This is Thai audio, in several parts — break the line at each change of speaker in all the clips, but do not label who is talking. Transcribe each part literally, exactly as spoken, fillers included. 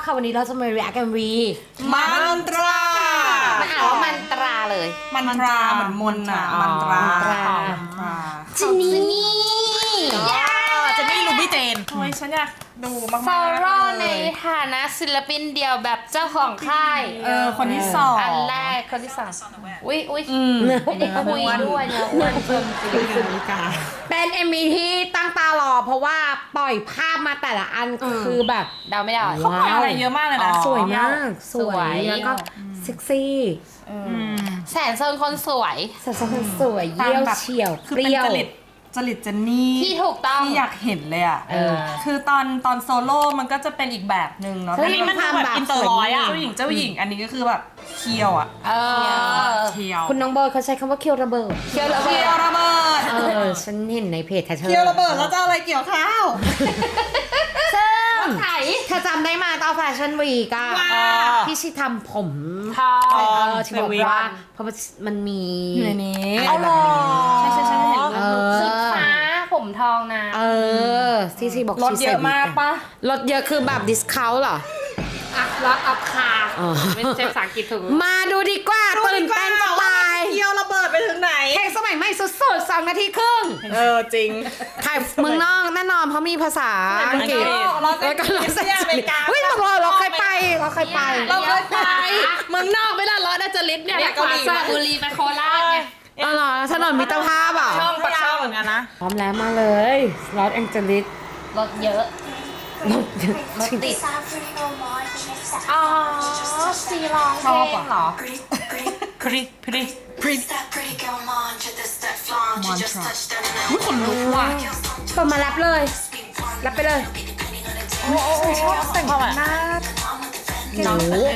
ค่ะวันนี้เราจะมา react เอ็ม วี
มันตรา
มันอ่านว่ามันตราเลย
มันตราเหมือนมนต์อ่ะมันตรา
มันตรา
มันตรา
จินนี่
จะไม่รู้พี่เจนทำไมฉันอยากดูมากๆ
ฟอร์รในฐานะศิลปินเดี่ยวแบบเจ้าของค่าย
เออคนที่สอง
อันแรกคนที่สองอุ้ยอุ้ยไม่ได้คุยด้วยเนี่ยอ้วนเกินจริง
เป็น เอ็ม วี ที่ตั้งตารอ เพราะว่าปล่อยภาพมาแต่ละอันคือแบบ
เดาไม่ได้
เขาปล่อยอะไรเยอะมากเลยนะ
สวยมาก สว
สวย ย
แล้วก็เซ็กซี่
แสนโซนคนสวย
สัดส่วนสวยเยี่ยวเฉียว
คือ
เป
เป็น
รี้ยว
จริตจริตเจนนี่
ที่ถูกต้อง
ที่อยากเห็นเลยอ่ะ
เออ
คือตอนตอนโซโล่มันก็จะเป็นอีกแบบหนึ่งเนาะ
เฮ้ย
อันนี้มันดู
มัน
แบบ
ทำแบบ
อินเตอร์ร้อยอ่ะ
สวย
เจ้าหญิงเจ้าหญิงอันนี้ก็คือแบบเคียวอ่ะ
เออ
เคียว
คุณน้องเบิร์ดเขาใช้คำว่าเคียวระเบิด
เคียวระเบิ
เคี
ด
ยวระเบิด
เออ ฉันเห็นในเพจแทชเชอร์
เคียวระเบิดแล้วจะเอาอะไรเกี่ยวข้าว
ซึ่ง
ไถ
เธอจำได้มาตอนแฟชั่นวีกอะ
ว้า
ที่ชิทำผม
ทอ
เออชิบอกว่าเพราะมันมี
อยู่ในนี้
เอาหรอ
ใช่ใช่ใช่เห็น
เอ
รูป
อ
ชุดฟ้าผมทองนะ
เออที่ชีบอก
รถ
ชี
เยอะมากปะ
รถเยอะคือแบบดิสคาวเหรอ
อ่ะล็อตอัพคา
อ๋อ
ไม่ใช่ภาษาอังกฤษถูก
มาดูดีกว่าตื่นเต้นจะตาย
เคียวระเบิดไปถึงไหน
เพลงสมัยใหม่สุดๆสองนาทีครึ่ง
เออจริง
ถ่ายเมืองนอกแน่นอนเพราะมีภาษาอังกฤษ
เรา
แล้วก็เรา
เซียอเมริกา
เฮ้ยตกลงเราเคยไปเราเคยไป
เราเคยไป
เมืองนอกไม่ละร้อยน่าจะลิศเนี่ย
เนี่ย
เกาหลีสระบุรีไปโคราชไง
อ๋อเหรอถนนมิตรภาพอ่ะ
ช่องปักช่องเหมือนกันนะ
พร้อมแล้วมาเลยลอสแองเจลิส
รถเยอะ
รถ
รถติด อ๋อซีร้องเพลงเหรอ
พริพริพริมอนทราอุ้ยขนลุกว่ะ
เปิดมาแรปเลยแรปไปเลย
โอ้โอ้ชอบแต่งหน้า
โอ้โห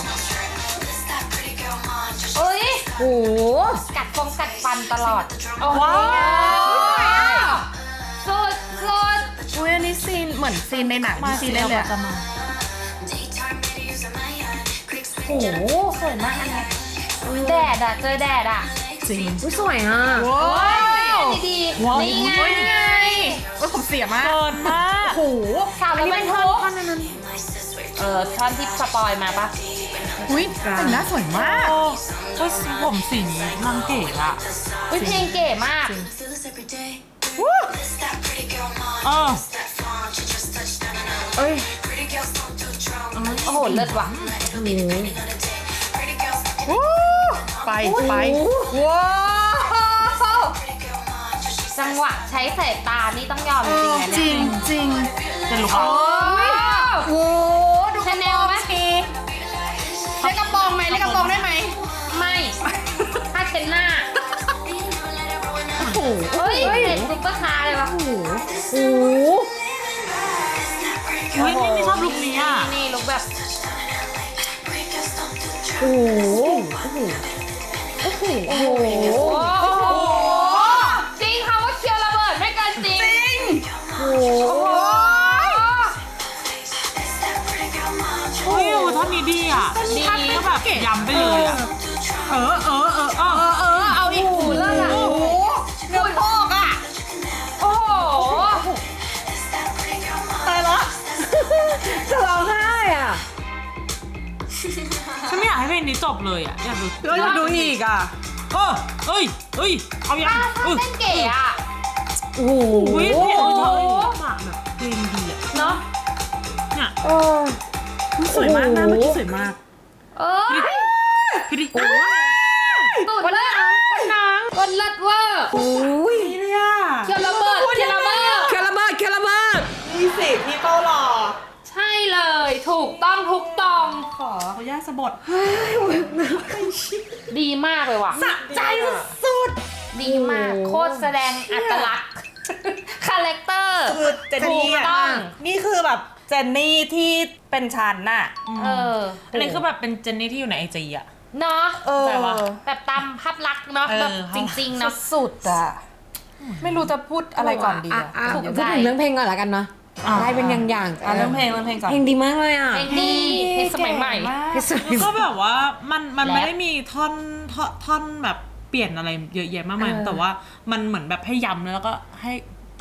เอ้ย
โอ้โห
กัดฟงกัดฟันตลอด โอ้โห
ว้าว
สุดสุด
อุ้ยอันนี้ซีนเหมือนซีนในหนังที่ซีนเล่นเลยอะ
โอ้โหสวยมากอันเนี้ยแดดอะเจอแดดอะ
จริง
อุ๊ยสวยอ่ะ
ว้าว
ดี
ว้าว
นี่ไง
นี่ไงว่าผมเสียมากเกินมาก
โอ้โห
ข่าว
อัน
แล้ว
นี้
มั
เป็น นท่
ทุ
อน
ก
ท่อนนั้น
เออท่อนที่สปอยมาปะ
อุ้ยแต่งหน้าสวยมากก็ผมสีนี้นางเก๋อะ
อุ้ยเพลงเก๋มาก
เออ
เอ้ย
โอ้โหเลิศว่ะ
โอ้โห
วู้ไปไปว้าว
จังหวะใช้สายตานี่ต้องยอมจริงๆนะ
จ
เนี่
ริ
ย
งจริงเป็นลูก
โอ้ย
โอ้โหดู
ชาแนลไหม
เล่นกระโปรงไหมเล่นกระโปรงได้ไหม
ไม่ผ้าเช็ดหน้า
โอ้โห
เฮ้ยเห็นซุปเปอร์คาร์เลยวะ
โอ้โหโอ้โห
อุ้ยนี่ไม่ชอบลุคนี้อ่ะ
นี่ลุกแบบ
โอ้โหโอ้โหโอ้โหโอ้โห
โอ้โหจริงค่ะว่าเคียวระเบิดไม่เกินจริง
โอ้โห
อุ้ยท่อนนี้ดีอ่ะ
ดี
ก็แบบย้ำไปเลยอ่ะเออเออเออเออเออเอาอีก
หูเลิศอ่ะ
โอ้โหเนื้อโพกอ่ะ
โอ้โห
ตายแล้ว
จะร้องไห้อ่ะ
ฉันไม่อยากให้เพลงนี้จบเลยอ่ะ อยากดู
เราอยากดูอีกอ่ะ
เออเอ้ยเอ้ย เอายัง
อ่ะ
เออ
เต้นเก๋อ่ะ
โอ้โห
อุ้ยเพลง
โอ้
เขา
โห
ฝากแบบเพลงดีอ่ะ
เนาะ
เนี่ย
เออ
สวยมากนะเมื่อกี้สวยมาก
เอ้ย
พี่ดิโอ้
สุดเลยอ่ะคนนางคนเลิศเวอร์
โอ้ย
นี่เลยอ่ะ
เคียวระเบิดเคียวระเบิด
เคลาเบิร์ดเคลาเบิร์ด
นี่สิพี่เป้าหล่อ
ใช่เลยถูกต้องทุกตอง
ขอเขาย่าสะบด
ดีมากเลยว่ะ
สะใจสุด
ดีมากโคตรแสดงอัตลักษณ์ คาแรคเตอร์
คือเจนนี่
ถูก
อ่ะ
ต้อง
นี่คือแบบเจนนี่ที่เป็นชันน่ะ
เออ
อันนี้คือแบบเป็นเจนนี่ที่อยู่ในไอจีอ่ะ
เนาะ
เออ
แต่ว่า
แบบตามภาพลักษณ์เนาะ
เออ
แบบจริงๆเนาะ
สุดอ่ะ ไม่รู้จะพูดอะไรก่อนดี
อ่ะ
อ่ะ
อ่ะ
ถูก
พูดถึงเรื่องเพลงก่อนละกันเนาะได้เป็นอย่างอย่าง
อ่ะเรื่องเพลงเรื่องเพลงก่อน
เพลงดีมากเลยอ่ะ
เพลงดีเพลงสมัยใหม่
เพลงสมัย
แล้วก็แบบว่ามันมัน
แรป
ไม่ได้มีท่อนท่อนท่อนแบบเปลี่ยนอะไรเยอะแยะมากมาย
เออ
แต่ว่ามันเหมือนแบบให้ย้ำแล้วก็ให้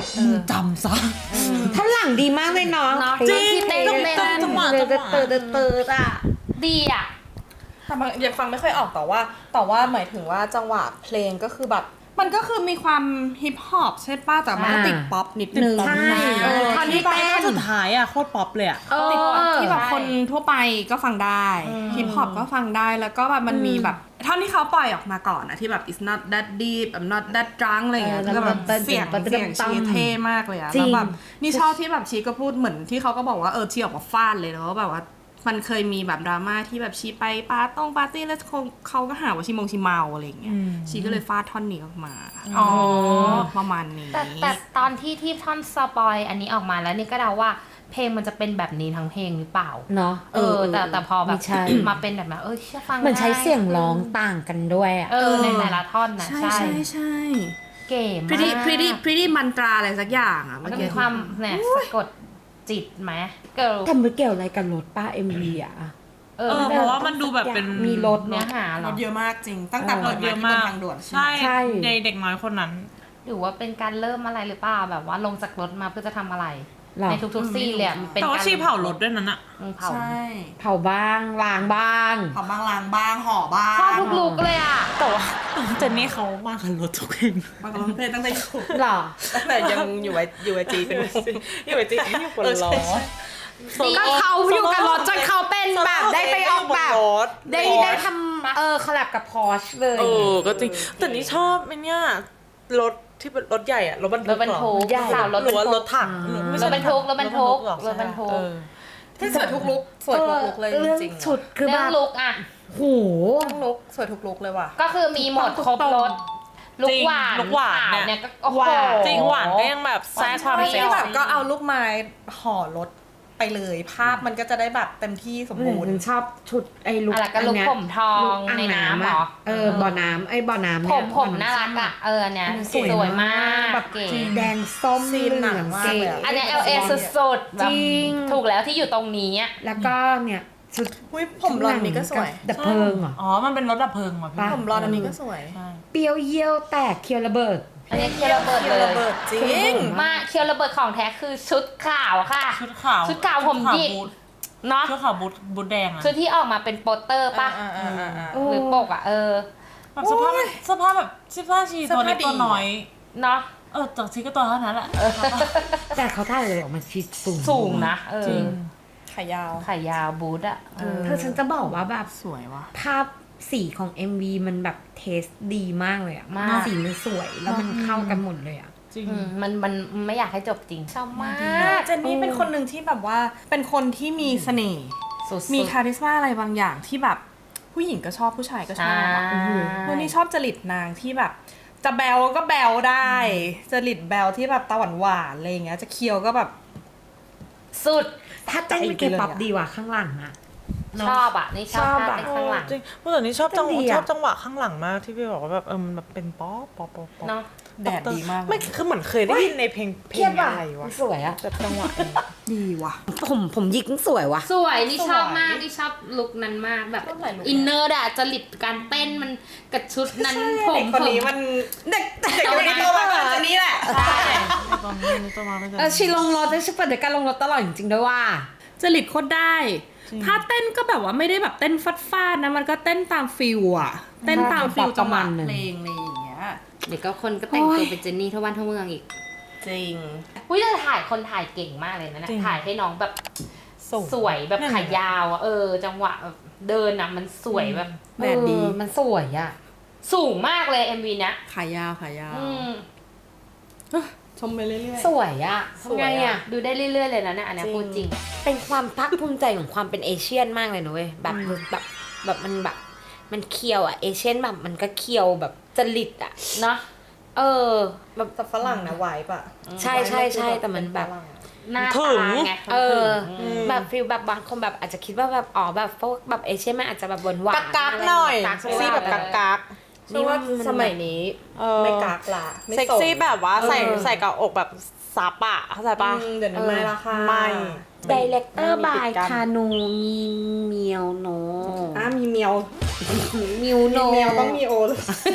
จำซะ
ท่อนหลังดีมากเลยเนาะ
เนาะ
จริง
ที่เต้น
ต้อง
เต้น
เต้นจังหวะ
เติร์ดเติร์ดเติร์ดเติร์ดอ่ะ
ดีอ่ะ
แต่บางยังฟังไม่ค่อยออกแต่ว่าแต่ว่าหมายถึงว่าจังหวะเพลงก็คือแบบมันก็คือมีความฮิปฮอปใช่ป่ะแต่มันก็ติดป๊อปนิดนึง
ใช่
เออ
ท่อนที่
ที่แบบ
เต้น
สุดท้ายอ่ะโคตรป๊อปเลยอ่ะ
เอ
ติดป๊อป
อ
ที่แบบคนทั่วไปก็ฟังได้ฮิปฮอปก็ฟังได้แล้วก็แบบมันมีแบบท่อนที่เขาปล่อยออกมาก่อนอะที่แบบ it's not that deep I'm not that drunk อะไรอย่างเงี้ย
เออ
ก็แบบ
แล้วก็
เสียง
เต้น
เสียงชีเท่มากเลยอะ
จริง
แล้วแบบนี่ชอบที่แบบชีก็พูดเหมือนที่เขาก็บอกว่าเออชีออกมาฟาดเลยแล้วแบบว่ามันเคยมีแบบดราม่าที่แบบชีไปปาร์ต้งปาร์ตี้แล้วคงเขาก็หาว่าชีมงชีเมาอะไรอย่างเงี้ยชีก็เลยฟาดท่อนนี้ออกมา
อ๋อ
ประมาณนี้
แต่แต่ตอนที่ที่ท่อนสปอยอันนี้ออกมาแล้วนี่ก็เดาว่าเพลงมันจะเป็นแบบนี้ทั้งเพลงหรือเปล่า
เนาะ
เออ แต่แต่พอแบบ
ไม่ใช่
มาเป็นแบบนั้นเออเชื่อฟัง
เหมือนใช้
ได้
เสียงร้องต่างกันด้วยอ่ะ
เออในแต่ละท่อนนะ
ใช่
ใช่
ใช่ใช่
เก๋มาก
pretty pretty pretty มันตราอะไรสักอย่างอะ
มั
เมื่
น
อ
มี
กี้
ความเนี่ยสะกดจิตไหมเกิร์ล
แต่มันเกี่ยวอะไรกับรถป้าเอ็มวีอ่ะ
เอ
เอ
อ
อเพราะว่ามันดูแบบเป็น
มีรถ
เนื้อ
เนาะ
หาเหร
ร
อ
ถเยอะมากจริง ตั้งแต่
เออ
เปิด
เย
มา
อะ
ที่บ
มาก
นทางด่วน
ใช่
ใช่
เด็กเด็กน้อยคนนั้น
หรือว่าเป็นการเริ่มอะไรหรือเปล่าแบบว่าลงจากรถมาเพื่อจะทำอะไร
หรอ
ในทุกๆซีนเลยอะมันเป็น
แต่ว่า
การ
ชีเผารถด้วยนั้นอะ
อืมเผา
ใช่
เผาบ้างล้างบ้าง
เผาบ้างล้างบ้างห่อบ้าง
ชอบทุกลุกเลยอ่ะ
แต่ว่าเจนนี่เขามากับรถทุกเพลง
บางร้องเพลงตั้งแต่อยู่
หรอ
ตั้งแต่ยังอยู่ไออยู่ไอจีเป็นวงอยู่ไอจีอยู่บนรถ
ก็เขาอยู่กับรถจนเขาเป็นแบบได้ไปออกแบบได้ได้ทำเออคอลแลบกับพอชเลย
เออ ก็จริง แต่นี่ชอบไอ้เนี่ยรถที่เป็นรถใหญ่อะรถบรร
ร
ทุ
ถ
ก
บรรทุก
ใหญ่
สาวรถ
หรื
บร
อว่าร
ทุ
ร
ก
ถถังไม่
ร
ใช่
ถบรรทุกรถบรรทุก
หอ
รถบรรทุก
เออ
ที่สวยทุกลุกสวยทุกลุกเลยจ
เรื่อง
ริงๆ
ชุดคือแบ
เรื่อง
บ
ลุกอ่ะ
โห
ทุกลุกสวยทุกลุกเลยว่ะ
ก็คือมีหมดครบรถลุกหวาน
ลุกหวาน
ขาว
เนี่
เนี่ย
ย
ก็โอ้โห
หวาน
จริงหวานก็ยังแบบแทรกความเซ็ก
ที่แบบ
ซี่
ก็เอาลูกไม้ห่อรถไปเลยภาพมันก็จะได้แบบเต็มที่สมบูรณ์
ฉันชอบชุดไอ้ลุก
อะไรก็ลุก
นเนี้ย
ผมทอง
ลุกอ่าง
ในน้ำเหร
อะ
อ
เออบ่อน้ำไอ้บ่อน้ำ
ผ
เนี่ย
มผมน่ารักอ่ะเออเนี่ย
มัน
สวยมาก
แบบ
เก๋
แดงส้ม
ซีนหนัง
เหลือง
มาก
เก๋
เลยอะ
อันเนี้ย L A สุดๆแบบ
จริง
ถูกแล้วที่อยู่ตรงนี้อะ
แล้วก็เนี่ยชุด
อุ้ยผมรอนนี้ก็สวย
ดับเพลิงเหรอ
อ๋อ มันเป็นรถดับเพลิงว่ะพี่
ปะ
ผมรอนอันนี้ก็สวย
เปรี้ยวเยี่ยวแตกเคียวระเบิด
อันนี้เคียวระเบิด
เคี
เลย
ระเบิดจริง
มาเคียวระเบิดของแท้คือชุดขาวค่ะ
ชุดขาว
ชุดขาวผมหยิก
บูท
เนาะ
ชุดขาวบูทบูทแดงอะ
ชุดที่ออกมาเป็นโปสเตอร์ป่ะ
อ่าอ่าอ่าอ่า
หรือปกอ่ะเออ
แบบสภาพสภาพแบบเสื้อผ้าชีตัวเล็ก
เสื้อผ้าดี
ตัวน้อย
เนาะ
เออจากชีก็ตัวเท่านั้นแหละ
แต่เขาถ่ายเลยออกมาชิดสูง
สูงนะเออ
จริง
ขายาว
ขายาวบูทอ่ะเออ
เธอฉันจะบอกว่าแบบ
สวยว่ะ
ภาพสีของ เอ็ม วี มันแบบเทสดีมากเลยอะ
มาก
สีมันสวยแล้วมันเข้ากันหมดเลยอะ
จริง
อืมมันมันไม่อยากให้จบจริงชอบมาก
เจนนี่เป็นคนหนึ่งที่แบบว่าเป็นคนที่มีเสน่ห์
สุดๆ
มีคาริสมาอะไรบางอย่างที่แบบผู้หญิงก็ชอบผู้ชายก็ชอบอะ
ใช่
วันนี้ชอบจริตนางที่แบบ จะแบลก็แบลได้ จริตแบลที่แบบตาหวานหวานๆอะไรอย่างเงี้ยจะเคี้ยวก็แบบ
สุด
ถ้าเต้นเป็นเคป๊อปดีว่ะข้างหลังอะ
ชอบอ่ะนี่ชอบ
ชอบ
ท่า
อะ
เต้นข้างหลัง
จริงเมื่อตอนนี้ชอบจังห
ดี
วะ
อะ
ชอบจังหวะข้างหลังมากที่พี่บอกว่าแบบเออมันแบบเป็นป๊อปป๊อปป๊อปป๊อป
เนาะ
แดดดีมาก
ไม่คือเหมือนเคยได้ยินในเพลงเพลงอะไรวะ
สวยอะ
แบบจังหวะ
ดีว่ะ
ผมผมยิกสวยว่ะ
สวยนี่ชอบมากนี่ชอบลุคนั้นมากแบบ
ชอบหลายลุค
อินเนอร์อะจริตการเต้นมันกับชุดนั้นผม
เด็กคนนี้
ผม
มันเด็กเด็กคนนี้โตมาก่อนเจนนี่แหละ
ใช่
ตอนนี้ตัวมาไม่ได้
เออชีลงรถได้ชิเปิดเดี๋ยวการลงรถตลอดจริงๆด้วยว่า
จริตโคตรได้ถ้าเต้นก็แบบว่าไม่ได้แบบเต้นฟัดฟาดๆนะมันก็เต้นตามฟิลอะเต้นตามฟิลจังหวะเพลงอะไรอย่างเงี้ย
เดี๋ยวก็คนก็แต่งตัวเป็นเจนนี่ทั่วบ้านทั่วเมืองอีก
จริง
อุ้ยแต่ถ่ายคนถ่ายเก่งมากเลยนะเนี่ยถ่ายให้น้องแบบสวยแบบขายาวอะเออ จังหวะแบบเดินอะมันสวยแบบ
แดดดี
เออมันสวยอะ
สูงมากเลย เอ็ม วี เนี้ย
ขายาวขายาว
อืม
ชมไปเรื่อย
สวยอะ
ส
ทำ
วย
ไง
อะ
อะ
ดูได้เรื่อยๆเลยนะเนี่ยอันเนี้ยพูดจริง
เป็นความภาคภูมิใจของความเป็นเอเชียนมากเลยนะเว้ยแบบแบบแบบมันแบบมันเคียวอะเอเชียนแบบมันก็เคียวแบบจริตอะ
เนาะ
เออแบบ
ๆแต่ฝรั่งนะไหวปะ
ใช่ใช่ใช่แต่มันแบบ
หน้า
ถึ
ตาง ไง
เออ
ถึง
แบบฟิลแบบบางคนแบบอาจจะคิดว่าแบบอ๋อแบบพวกแบบเอเชียนมันอาจจะแบบหวานหวาน
กักๆหน่อย
กักๆ
ซี่แบบกักกัก
นี่ว่าสมัยนี้
เออ
ไม่กักละไม่
เซ็ก
ส่ง
ซี่แบบว่าใส่ใส่กับอกแบบซับอะเข้าใจปะ
อืมเดี๋ยวนี้ไม่ละค่ะ
ไม่
ดีเลกเตอร์
ไม่
บา
มี
ย
ปิดกั้น
คานูมีเมียวโน
อ่ะมีเมียว
มิวโน
มีเมียวต้องมีโอเลย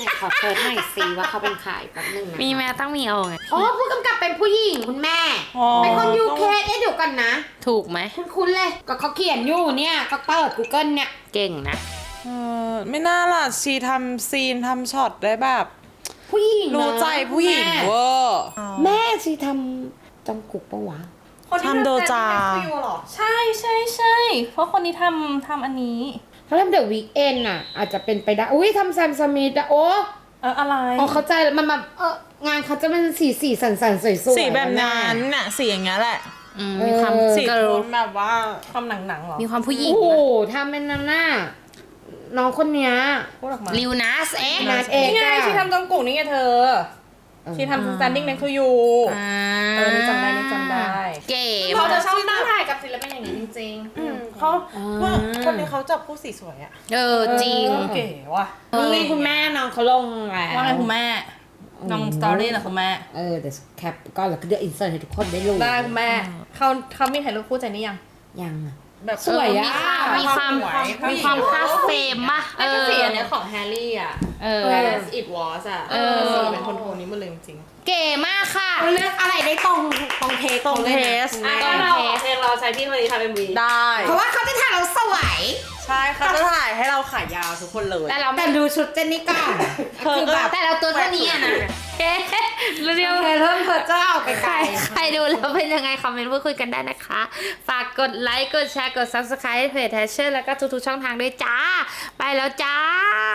เนี่ยขอเซิร์ชหน่อยสิว่าเขาเป็นใครแป๊บนึงนะ
มีแม่ต้องมีเอาไง
อ๋อผู้กำกับเป็นผู้หญิงคุณแม่
อ๋อ
เป็นคนยูเคเอ๊ะเดี๋ยวกันนะ
ถูกไหม
คุ้นๆเลยก็เขาเขียนอยู่เนี่ยก็เปิด Google เนี่ย
เก่งนะ
เออไม่น่าล่ะชีทำซีนทำช็อตได้แบบ
ผู้หญิง
รู้ใจผู้หญิงเวอร์
แม่ชีทำจองกุกปะวะ
ทำโดจา
ใช่ใช่ใช่เพราะคนนี้ทำทำอันนี้
เขาทำเดอะวีคเอนอ่ะ อาจจะเป็นไปได้ อุ้ยทำแซมสมิธอะโอ้
เอออะไร
อ๋อเข้าใจแล้วมันแบบเอองานเขาจะเป็นสีสีสันสันๆสวยๆ
สีแบบ
อะ
นั้น
แม่
น่ะสีอย่างเงี้ยแหละ
อืมมีความ
เออ
สี
เกิ
โท
ร์ล
นแบบว่า
ความหนังหนังๆเหรอ
มีความผู้หญิง
โอ้โห
นะ
ทำเป็นนั่นน่ะน้องคนเนี้ย
พูดออกมา
ลิวนัสเอ็ก
นัดเอก
นี่ไง
อะ
ชีทำจองกุ่งนี่ไงเธอ ชีทำ standing next to you เออนี่จำได้นี่จำได้
เก๋
เขา
มาก
จะชอบนั่งถ่ายกับศิลปินอย่างนี้จริงๆ
อืมเขาว่าคนนี้เขาจับคู่สีสวยอะ
เออจริง
เก๋ว่ะ
นี่คุณแม่น้องเขาลงแล้ว
ว่าไงคุณแม่น้องสตอรี่เหรอคุณแม่
เออเดี๋ยวแคปก็แล้วก็เดี๋ยวอินเสิร์ตให้ทุกคนได้รู้
ได้คุณแม่เขาเขามีถ่ายรูปคู่ใจนี่ยัง
ยังอะ
แบบ
สวยอะ
มีความมีความคาเฟมป่ะเอ
ก็
อ
สีอันเนี้ยของแฮร์รี่อ่ะ
เออ
as it was อ่ะ
เออ
สีเป็นโทนๆนี้หมดเลยจริง
เก๋มากค่ะ
เขาเลือกอะไรได้ตรงตรงเทส
ตรงเทส
ขา
ตรง
เลยนะ
เทส
เพลงเราใช้พี่คนนี้ทำเป็นวี
ได้
เพราะว่าเขาจะถ่ายเราสวย
ใช่เขาจะถ่ายให้เราขายาวทุกคนเลย
แต่เรา
แต่ดูชุดเจนนี่ก่อน
เธอ
คือ
ก็
แบบ
แต่เราตัวเท่านี้อะนะเอ๊ะเรียว
โอเคเริ่มเพอเจ้าไป
ใค
ไก
ร
ล
ใครดูแล้วเป็นยังไง คอมเมนต์พูดคุยกันได้นะคะ ฝากกดไลค์ กดแชร์ กด ซับสไครบ์ เพจแทชเชอร์แล้วก็ทุกๆช่องทางด้วยจ้า ไปแล้วจ้า